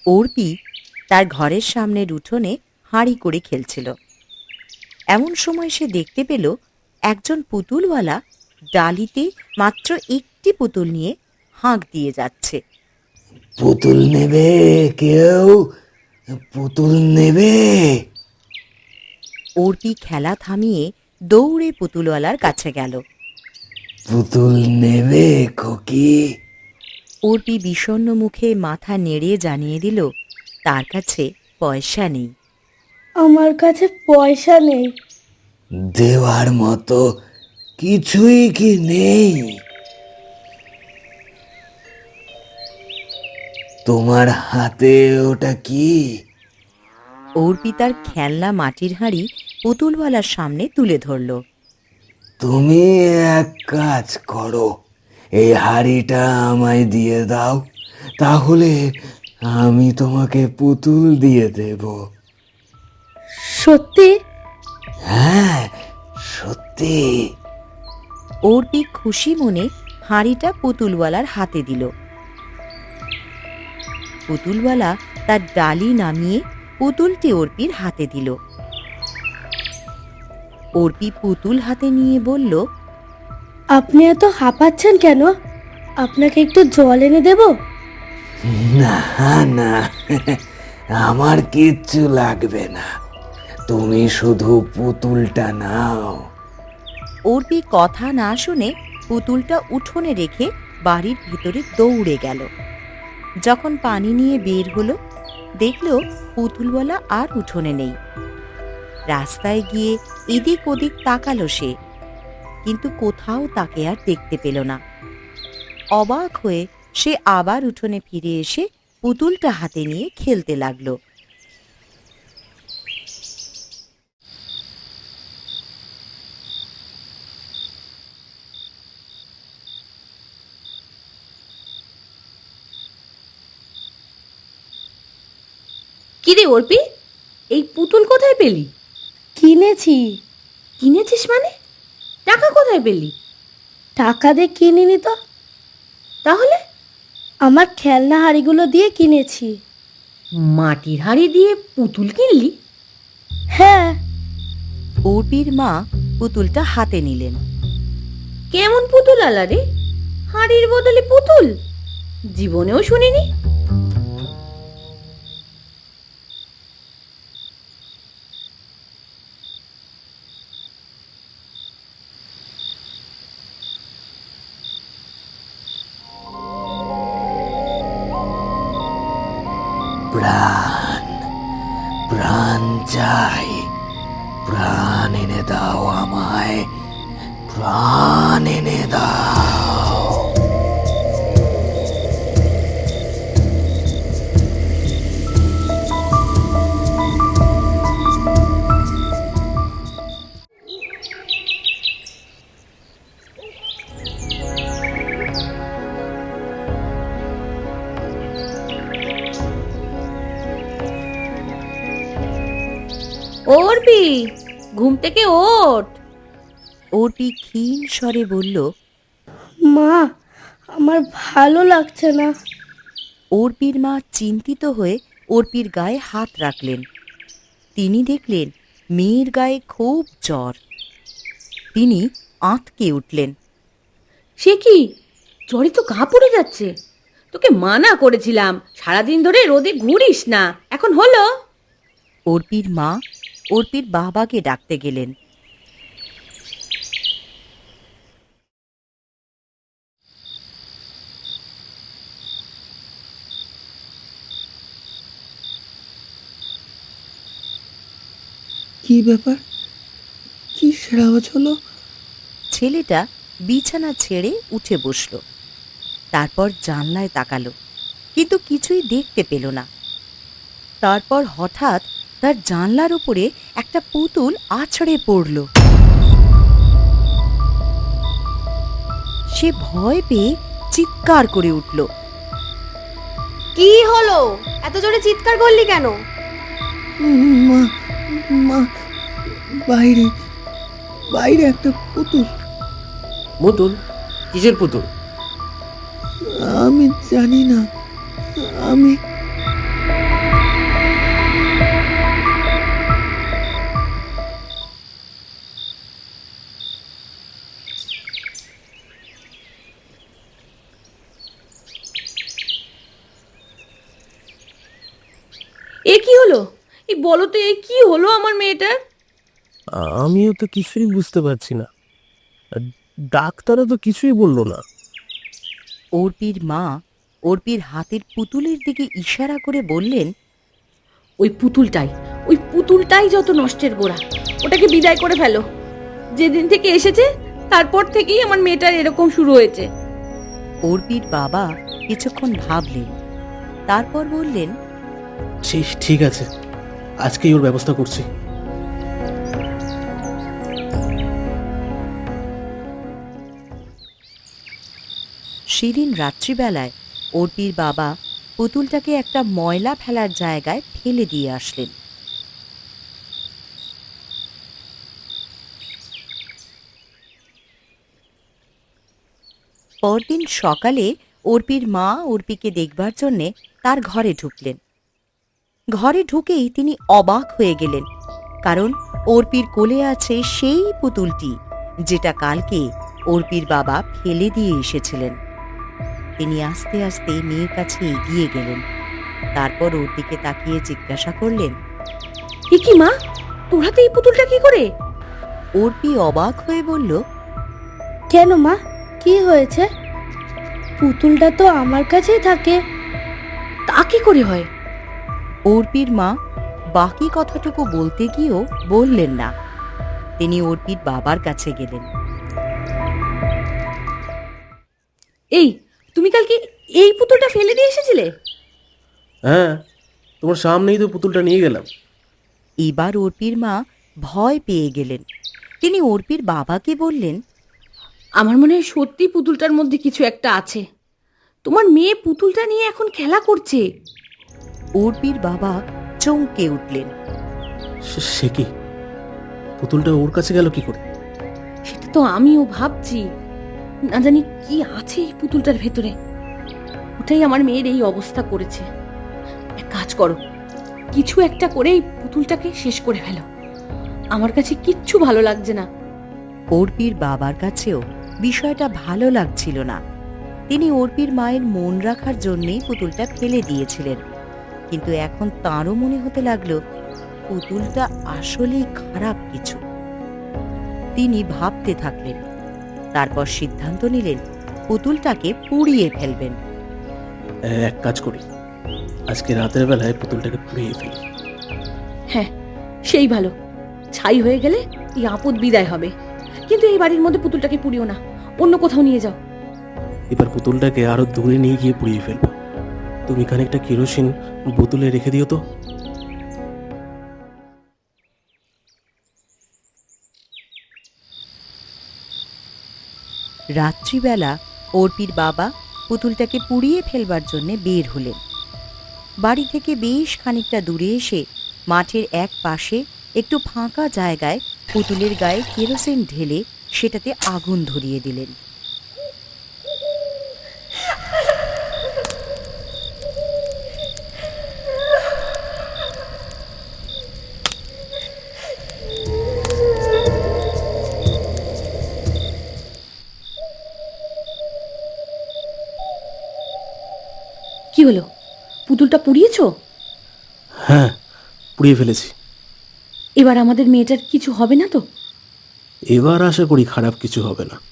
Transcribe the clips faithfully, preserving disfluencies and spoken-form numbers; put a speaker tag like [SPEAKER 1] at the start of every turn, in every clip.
[SPEAKER 1] অর্পি তার ঘরের সামনের উঠোনে হাঁড়ি করে খেলছিল। এমন সময় সে দেখতে পেল একজন পুতুলওয়ালা ডালিতে মাত্র একটি পুতুল নিয়ে হাঁক দিয়ে যাচ্ছে।
[SPEAKER 2] পুতুল নেবে কেউ? পুতুল নেবে?
[SPEAKER 1] অর্পি খেলা থামিয়ে দৌড়ে পুতুলওয়ালার কাছে গেল।
[SPEAKER 2] পুতুল নেবে খোকি?
[SPEAKER 1] অর্পি বিষণ্ণ মুখে মাথা নেড়ে জানিয়ে দিল তার কাছে পয়সা নেই।
[SPEAKER 3] আমার কাছে পয়সা নেই।
[SPEAKER 2] দেওয়ার মতো কিছুই কি নেই? তোমার হাতে ওটা কি?
[SPEAKER 1] অর্পি তার খেলনা মাটির হাঁড়ি পুতুলওয়ালার সামনে তুলে ধরল।
[SPEAKER 2] তুমি এক কাজ করো, এই হাঁড়িটা আমায় দিয়ে দাও, তাহলে আমি তোমাকে পুতুল দিয়ে দেব।
[SPEAKER 3] সত্যি?
[SPEAKER 2] হ্যাঁ, সত্যি।
[SPEAKER 1] অর্পি খুশি মনে হাঁড়িটা পুতুলওয়ালার হাতে দিল। পুতুলওয়ালা তার ডালি নামিয়ে পুতুলটি অর্পির হাতে দিল। অর্পি পুতুল হাতে নিয়ে বলল,
[SPEAKER 3] আপনি এত হাঁপাচ্ছেন কেন? আপনাকে একটু জল এনে দেব?
[SPEAKER 2] না না, আমার কিচ্ছু লাগবে না, তুমি শুধু পুতুলটা নাও।
[SPEAKER 1] অর্পি কথা না শুনে পুতুলটা উঠোনে রেখে বাড়ির ভিতরে দৌড়ে গেল। যখন পানি নিয়ে বের হলো, দেখল পুতুলওয়ালা আর উঠোনে নেই। রাস্তায় গিয়ে এদিক ওদিক তাকালো সে, কিন্তু কোথাও তাকে আর দেখতে পেল না। অবাক হয়ে সে আবার উঠোনে ফিরে এসে পুতুলটা হাতে নিয়ে খেলতে লাগলো।
[SPEAKER 4] কিরে অর্পি, এই পুতুল কোথায় পেলি?
[SPEAKER 3] কিনেছি।
[SPEAKER 4] কিনেছিস মানে? টাকা কোথায় পেলি?
[SPEAKER 3] টাকা দিয়ে কিনিনি তো।
[SPEAKER 4] তাহলে?
[SPEAKER 3] আমার খেলনা হাঁড়িগুলো দিয়ে কিনেছি।
[SPEAKER 4] মাটির হাঁড়ি দিয়ে পুতুল কিনলি?
[SPEAKER 3] হ্যাঁ।
[SPEAKER 1] অর্পির মা পুতুলটা হাতে নিলেন।
[SPEAKER 4] কেমন পুতুল আলা রে? হাঁড়ির বদলে পুতুল? জীবনেও শুনিনি।
[SPEAKER 2] প্রাণ, প্রাণ চাই, প্রাণ এনে দাও আমায়, প্রাণ এনে দাও।
[SPEAKER 4] অর্পি, ঘুম থেকে ওঠ।
[SPEAKER 1] অর্পি ক্ষীণ স্বরে বলল,
[SPEAKER 3] মা, আমার ভালো লাগছে না।
[SPEAKER 1] অর্পির মা চিন্তিত হয়ে অর্পির গায়ে হাত রাখলেন। তিনি দেখলেন মেয়ের গায়ে খুব জ্বর। তিনি আঁতকে উঠলেন।
[SPEAKER 4] সে কি, জ্বরে তো গা পড়ে যাচ্ছে। তোকে মানা করেছিলাম সারাদিন ধরে রোদে ঘুরিস না, এখন হলো?
[SPEAKER 1] অর্পির মা অর্পির বাবাকে ডাকতে গেলেন।
[SPEAKER 5] কি ব্যাপার? কি আওয়াজ হলো?
[SPEAKER 1] ছেলেটা বিছানা ছেড়ে উঠে বসল। তারপর জানলায় তাকালো, কিন্তু কিছুই দেখতে পেল না। তারপর হঠাৎ তার জানলার উপরে একটা পুতুল আছড়ে পড়ল। সে ভয় পেয়ে চিৎকার করে উঠল।
[SPEAKER 6] কি হলো? এত জোরে চিৎকার করলি কেন?
[SPEAKER 5] মা, মা, বাইরে বাইরে একটা পুতুল।
[SPEAKER 7] পুতুল? কিসের পুতুল?
[SPEAKER 5] আমি জানি না। আমি
[SPEAKER 4] বলো তো এই কি হলো আমার মেয়েটার?
[SPEAKER 7] আমিও তো কিছুই বুঝতে পারছি না, আর ডাক্তারও তো কিছুই বললো না।
[SPEAKER 1] অর্পির মা অর্পির হাতের পুতুলের দিকে ইশারা করে বললেন,
[SPEAKER 4] ওই পুতুলটাই ওই পুতুলটাই যত নষ্টের গোড়া। ওটাকে বিদায় করে ফেলো। যেদিন থেকে এসেছে তারপর থেকেই আমার মেয়েটার এরকম শুরু হয়েছে।
[SPEAKER 1] অর্পির বাবা কিছুক্ষণ ভাবলেন, তারপর বললেন,
[SPEAKER 7] ঠিক ঠিক আছে, আজকেই ওর ব্যবস্থা করছি।
[SPEAKER 1] সেদিন রাত্রিবেলায় অর্পির বাবা পুতুলটাকে একটা ময়লা ফেলার জায়গায় ফেলে দিয়ে আসলেন। পরদিন সকালে অর্পির মা অর্পিকে দেখবার জন্যে তার ঘরে ঢুকলেন। ঘরে ঢুকেই তিনি অবাক হয়ে গেলেন, কারণ অর্পির কোলে আছে সেই পুতুলটি যেটা কালকে অর্পির বাবা ফেলে দিয়ে এসেছিলেন। তিনি আস্তে আস্তে মেয়ের কাছে এগিয়ে গেলেন, তারপর ওর দিকে তাকিয়ে জিজ্ঞাসা করলেন,
[SPEAKER 4] এ কি মা, তোর হাতে এই পুতুলটা কি করে?
[SPEAKER 1] অর্পি অবাক হয়ে বলল,
[SPEAKER 3] কেন মা, কি হয়েছে? পুতুলটা তো আমার কাছেই থাকে।
[SPEAKER 4] তা কি করে হয়?
[SPEAKER 1] অর্পির মা বাকি কথাটুকু বলতে গিয়েও বললেন না। তিনি অর্পির বাবার কাছে গেলেন।
[SPEAKER 4] এই, তুমি কালকে এই পুতুলটা ফেলে দিয়ে এসেছিলে?
[SPEAKER 7] হ্যাঁ, তোমার সামনেই তো পুতুলটা নিয়ে গেলাম।
[SPEAKER 1] এবার অর্পির মা ভয় পেয়ে গেলেন। তিনি অর্পির বাবাকে বললেন,
[SPEAKER 4] আমার মনে হয় সত্যি পুতুলটার মধ্যে কিছু একটা আছে। তোমার মেয়ে পুতুলটা নিয়ে এখন খেলা করছে।
[SPEAKER 1] অর্পির বাবা চমকে উঠলেন।
[SPEAKER 7] সে- সে কি, পুতুলটা ওর কাছে গেল কি করে?
[SPEAKER 4] সেটা তো আমিও ভাবছি। না জানি কি আছে এই পুতুলটার ভেতরে। ওটাই আমার মেয়ের এই অবস্থা করেছে। এক কাজ করো, কিছু একটা করে এই পুতুলটাকে শেষ করে ফেলো। আমার কাছে কিচ্ছু ভালো লাগছে না।
[SPEAKER 1] অর্পির বাবার কাছেও বিষয়টা ভালো লাগছিল না। তিনি অর্পির মায়ের মন রাখার জন্যই পুতুলটা ফেলে দিয়েছিলেন, কিন্তু এখন তাঁরও মনে হতে লাগলো পুতুলটা আসলেই খারাপ কিছু। তিনি ভাবতে থাকলেন, তারপর সিদ্ধান্ত নিলেন পুতুলটাকে পুড়িয়ে ফেলবেন।
[SPEAKER 7] এক কাজ করি, আজকে রাতের বেলায় পুতুলটাকে পুড়িয়ে ফেলি।
[SPEAKER 4] হ্যাঁ, সেই ভালো। ছাই হয়ে গেলে এই আপদ বিদায় হবে। কিন্তু এই বাড়ির মধ্যে পুতুলটাকে পুড়িও না, অন্য কোথাও নিয়ে যাও।
[SPEAKER 7] এবার পুতুলটাকে আরো দূরে নিয়ে গিয়ে পুড়িয়ে ফেলবো। তুমি খানিকটা কেরোসিন বোতলে রেখে দিও তো।
[SPEAKER 1] রাত্রিবেলা অর্পির বাবা পুতুলটাকে পুড়িয়ে ফেলবার জন্য বের হলেন। বাড়ি থেকে বেশ খানিকটা দূরে এসে মাঠের এক পাশে একটু ফাঁকা জায়গায় পুতুলের গায়ে কেরোসিন ঢেলে সেটাতে আগুন ধরিয়ে দিলেন।
[SPEAKER 4] কি হলো, পুতুলটা পুড়িয়েছো?
[SPEAKER 7] হ্যাঁ, পুড়িয়ে ফেলেছি।
[SPEAKER 4] এবার আমাদের মেয়েটার কিছু হবে না তো?
[SPEAKER 7] এবার আশা করি খারাপ কিছু হবে না।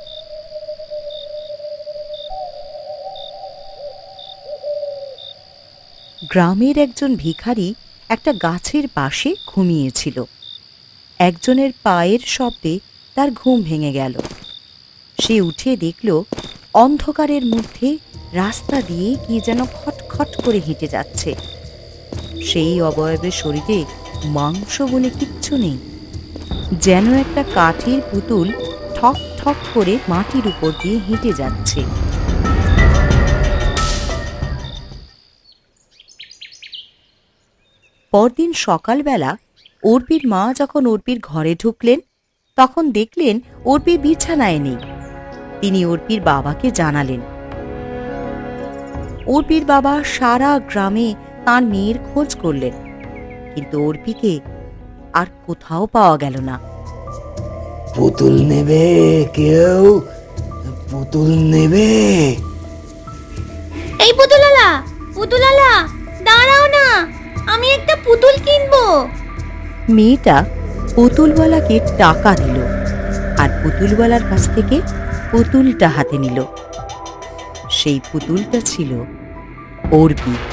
[SPEAKER 1] গ্রামের একজন ভিখারি একটা গাছের পাশে ঘুমিয়েছিল। একজনের পায়ের শব্দে তার ঘুম ভেঙে গেল। সে উঠে দেখল অন্ধকারের মধ্যে রাস্তা দিয়ে কি যেন খটখট করে হেঁটে যাচ্ছে। সেই অবয়বের শরীরে মাংস বলে কিচ্ছু নেই, যেন একটা কাঠের পুতুল ঠক ঠক করে মাটির উপর দিয়ে হেঁটে যাচ্ছে। পরদিন সকালবেলা অর্পির মা যখন অর্পির ঘরে ঢুকলেন, তখন দেখলেন অর্পি বিছানায় নেই। তিনি অর্পির বাবাকে জানালেন। অর্পির বাবা সারা গ্রামে তার মেয়ের খোঁজ করলেন, কিন্তু অর্পিকে আর কোথাও পাওয়া গেল না।
[SPEAKER 2] পুতুল নেবে কেউ? পুতুল নেবে?
[SPEAKER 6] এই পুতুলালা, পুতুলালা, দাঁড়াও না,
[SPEAKER 4] আমি একটা পুতুল কিনবো।
[SPEAKER 1] মেয়েটা পুতুলওয়ালাকে টাকা দিল আর পুতুলওয়ালার কাছ থেকে পুতুলটা হাতে নিল। সেই পুতুলটা ছিল অর্পি।